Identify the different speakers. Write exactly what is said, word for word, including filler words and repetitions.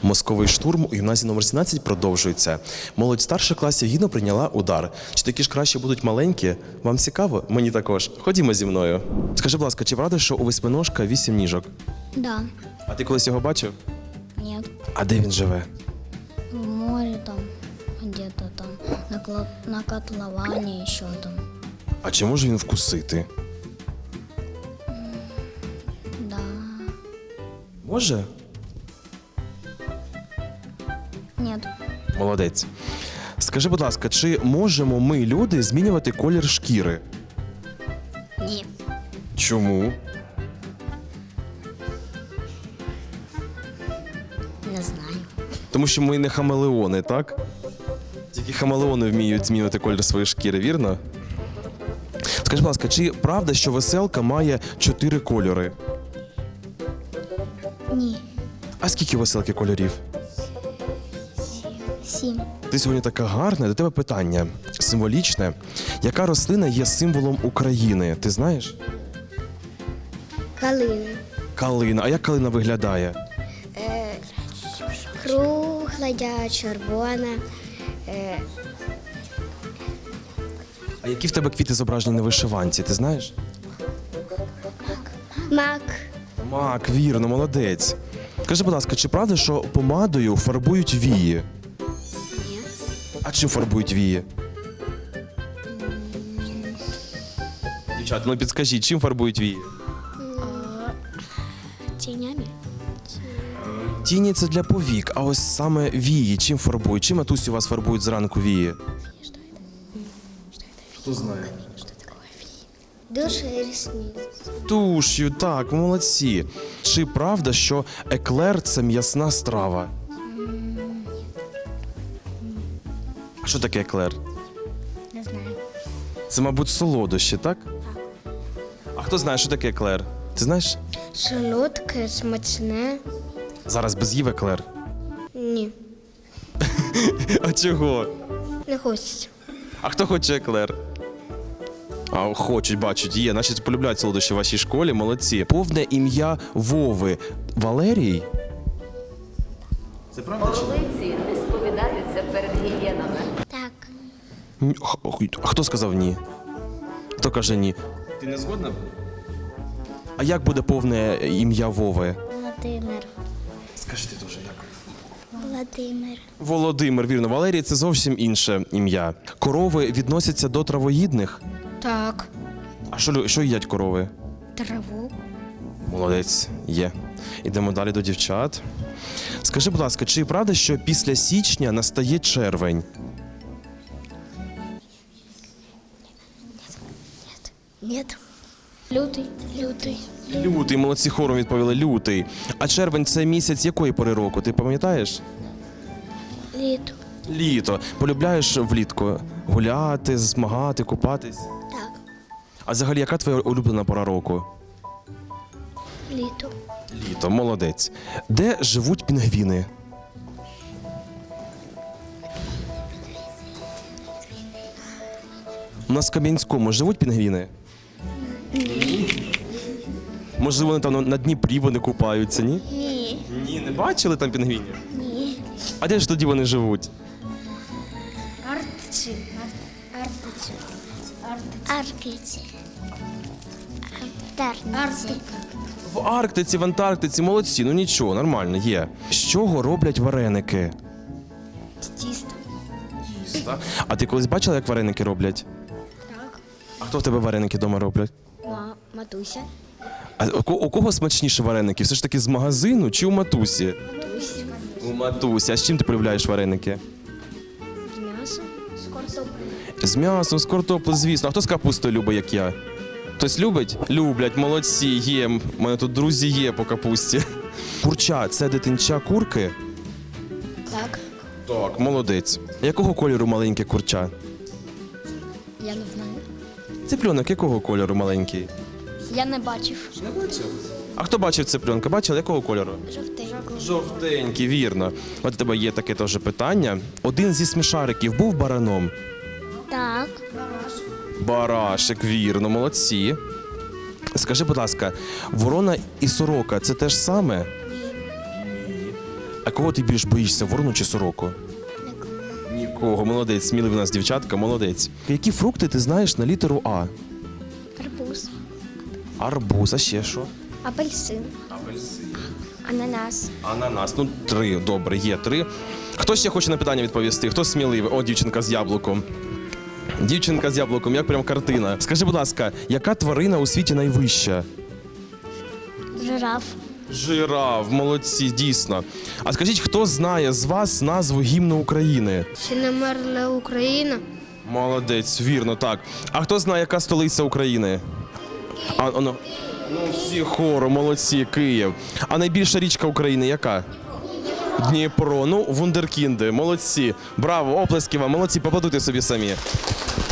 Speaker 1: Мозковий штурм у гімназії номер сімнадцять продовжується. Молодь старших класів гідно прийняла удар. Чи такі ж краще будуть маленькі? Вам цікаво? Мені також. Ходімо зі мною. Скажи, будь ласка, чи правда, що у восьминожка вісім ніжок?
Speaker 2: Да.
Speaker 1: А ти колись його бачив?
Speaker 2: Нет.
Speaker 1: А де він живе?
Speaker 2: В море там, где-то там, на, кла- на котловане еще там.
Speaker 1: А чи може він вкусити?
Speaker 2: Да.
Speaker 1: Може?
Speaker 2: Нет.
Speaker 1: Молодець. Скажи, будь ласка, чи можемо ми, люди, змінювати колір шкіри?
Speaker 2: Ні.
Speaker 1: Чому?
Speaker 2: Не знаю.
Speaker 1: Тому що ми не хамелеони, так? Тільки хамелеони вміють змінювати колір своєї шкіри, вірно? Скажи, будь ласка, чи правда, що веселка має чотири кольори?
Speaker 2: Ні.
Speaker 1: А скільки у веселки кольорів?
Speaker 2: Сім.
Speaker 1: Ти сьогодні така гарна, до тебе питання символічне. Яка рослина є символом України? Ти знаєш?
Speaker 2: Калина.
Speaker 1: Калина. А як калина виглядає?
Speaker 2: Е, кругла, червона. Е,
Speaker 1: А які в тебе квіти зображені на вишиванці, ти знаєш?
Speaker 2: мак.
Speaker 1: Мак, вірно, молодець. Скажи, будь ласка, чи правда, що помадою фарбують вії?
Speaker 2: Ні.
Speaker 1: А чим фарбують вії? Дівчата, ну підскажіть, чим фарбують вії?
Speaker 2: Тенями.
Speaker 1: Тіні – це для повік, а ось саме вії чим фарбують? Чим, матусі, у вас фарбують зранку вії? Хто знає?
Speaker 2: Душ і ресниці.
Speaker 1: Туш'ю, так, молодці. Чи правда, що еклер – це м'ясна страва? А що таке еклер?
Speaker 2: Не знаю.
Speaker 1: Це, мабуть, солодощі, так? А хто знає, що таке еклер? Ти знаєш?
Speaker 2: Солодке, смачне.
Speaker 1: Зараз без їв еклер.
Speaker 2: Ні.
Speaker 1: А чого?
Speaker 2: Не хочеться.
Speaker 1: А хто хоче еклер? А хочуть, бачать, є. Значить, полюбляють солодощі в вашій школі, молодці. Повне ім'я Вови. Валерій? Це правда?
Speaker 3: Орлиці не сповідаються перед гієнами.
Speaker 2: Так.
Speaker 1: Ні. А хто сказав ні? Хто каже ні? Ти не згодна? А як буде повне ім'я Вови?
Speaker 2: Володимир.
Speaker 1: Скажи ти теж, як?
Speaker 2: Володимир.
Speaker 1: Володимир, вірно. Валерій – це зовсім інше ім'я. Корови відносяться до травоїдних?
Speaker 2: Так.
Speaker 1: А що, лю- що їдять корови?
Speaker 2: Траву.
Speaker 1: Молодець, є. Ідемо далі до дівчат. Скажи, будь ласка, чи правда, що після січня настає червень?
Speaker 2: Нет. Лютий. Лютий.
Speaker 1: Лютий, молодці, хором відповіли, лютий. А червень – це місяць якої пори року, ти пам'ятаєш?
Speaker 2: Літо.
Speaker 1: Літо. Полюбляєш влітку гуляти, змагати, купатись?
Speaker 2: Так.
Speaker 1: А взагалі, яка твоя улюблена пора року?
Speaker 2: Літо.
Speaker 1: Літо, молодець. Де живуть пінгвіни? У нас в Кам'янському живуть пінгвіни? Ні. Може, вони там на- на Дніпрі вони купаються, ні?
Speaker 2: Ні.
Speaker 1: Ні, не бачили там пінгвінів?
Speaker 2: Ні.
Speaker 1: А де ж тоді вони живуть?
Speaker 2: Арктиці. Арктиці. Арктиці. Антарктиці.
Speaker 1: В Арктиці, в Антарктиці, молодці, ну нічого, нормально, є. З чого роблять вареники?
Speaker 2: Тісто.
Speaker 1: Тіста. А ти колись бачила, як вареники роблять?
Speaker 2: Так.
Speaker 1: А хто в тебе вареники вдома роблять?
Speaker 2: Ма- Матуся.
Speaker 1: А у ко- у кого смачніші вареники? Все ж таки з магазину чи у матусі?
Speaker 2: Матуся.
Speaker 1: У матусі. А з чим ти полюбляєш вареники?
Speaker 2: З м'ясом. З картоплею.
Speaker 1: З м'ясом, з картоплею, звісно. А хто з капустою любить, як я? Хтось любить? Люблять, молодці, є. У мене тут друзі є по капусті. Курча – це дитинча курки?
Speaker 2: Так.
Speaker 1: Так, молодець. Якого кольору маленьке курча?
Speaker 2: Я не знаю.
Speaker 1: Цыпленок якого кольору маленький?
Speaker 2: Я не бачив.
Speaker 1: Не бачив. А хто бачив цыпленка? Бачили, якого кольору?
Speaker 2: Жовтенький.
Speaker 1: Жовтенький, вірно. От у тебе є таке теж питання. Один зі смішариків був бараном?
Speaker 2: Так.
Speaker 1: Барашек, вірно, молодці. Скажи, будь ласка, ворона і сорока – це те ж саме?
Speaker 2: Ні.
Speaker 1: А кого ти більш боїшся, ворону чи сороку? Нікого, молодець, сміливі у нас дівчатка, молодець. Які фрукти ти знаєш на літеру А?
Speaker 2: Арбуз,
Speaker 1: Арбуз, а ще що?
Speaker 2: апельсин,
Speaker 1: Апельсин.
Speaker 2: ананас.
Speaker 1: Ананас, ну три, добре, є три. Хто ще хоче на питання відповісти? Хто сміливий? О, дівчинка з яблуком. Дівчинка з яблуком, як прям картина. Скажи, будь ласка, яка тварина у світі найвища?
Speaker 2: Жираф.
Speaker 1: Жираф, молодці, дійсно. А скажіть, хто знає з вас назву гімну України?
Speaker 2: Чи не мерла Україна?
Speaker 1: Молодець, вірно, так. А хто знає, яка столиця України? А, ну, ну, всі хором, молодці, Київ. А найбільша річка України яка? Дніпро. Ну, вундеркінди, молодці. Браво, оплески вам, молодці, поплодуйте собі самі.